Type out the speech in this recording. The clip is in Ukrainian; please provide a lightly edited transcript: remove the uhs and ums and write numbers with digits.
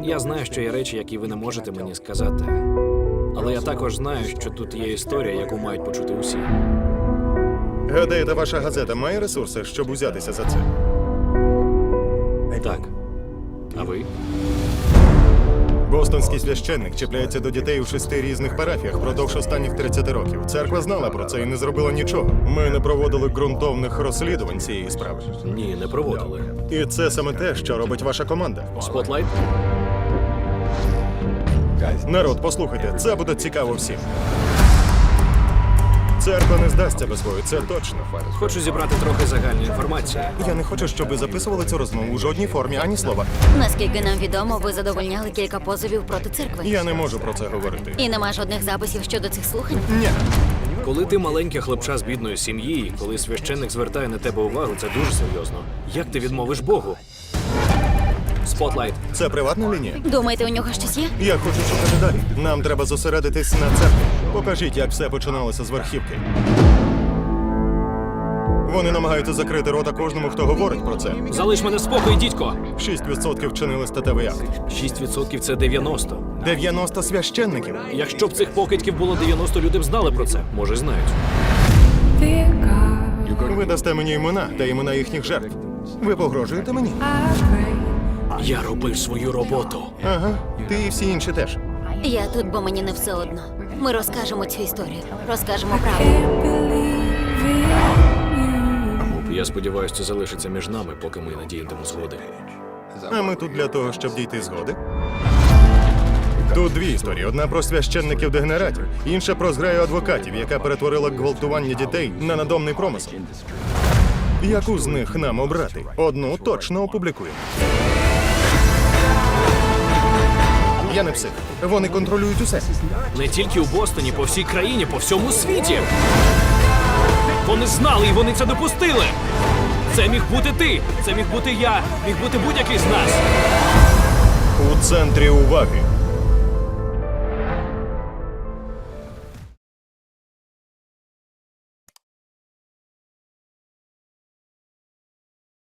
Я знаю, що є речі, які ви не можете мені сказати. Але я також знаю, що тут є історія, яку мають почути усі. Гадаєте, ваша газета має ресурси, щоб узятися за це? Так. А ви? Бостонський священник чіпляється до дітей у 6 різних парафіях впродовж останніх 30 років. Церква знала про це і не зробила нічого. Ми не проводили ґрунтовних розслідувань цієї справи. Ні, не проводили. І це саме те, що робить ваша команда. Спотлайт? Народ, послухайте, це буде цікаво всім. Церква не здасться без бою, це точно. Хочу зібрати трохи загальної інформації. Я не хочу, щоб ви записували цю розмову у жодній формі, ані слова. Наскільки нам відомо, ви задовольняли кілька позовів проти церкви. Я не можу про це говорити. І нема жодних записів щодо цих слухань. Ні. Коли ти маленьке хлопча з бідної сім'ї, і коли священник звертає на тебе увагу, це дуже серйозно. Як ти відмовиш Богу? Спотлайт. Це приватна лінія? Думаєте, у нього щось є? Я хочу шукати далі. Нам треба зосередитись на церкві. Покажіть, як все починалося з верхівки. Вони намагаються закрити рота кожному, хто говорить про це. Залиш мене в спокої, дідько! 6% вчинили статевий акт. 6% це 90. 90 священників. Якщо б цих покидьків було 90, люди б знали про це. Може, знають. Ви дасте мені імена та імена їхніх жертв. Ви погрожуєте мені? Я робив свою роботу. Ага, ти і всі інші теж. Я тут, бо мені не все одно. Ми розкажемо цю історію. Розкажемо правду. Я сподіваюся, це залишиться між нами, поки ми не діятимемо згоди. А ми тут для того, щоб дійти згоди. Тут дві історії. Одна про священників-дегенератів, інша про зграю адвокатів, яка перетворила гвалтування дітей на надомний промисел. Яку з них нам обрати? Одну точно опублікуємо. Я не псих. Вони контролюють усе. Не тільки у Бостоні, по всій країні, по всьому світі. Вони знали і вони це допустили. Це міг бути ти, це міг бути я, міг бути будь-який з нас. У центрі уваги.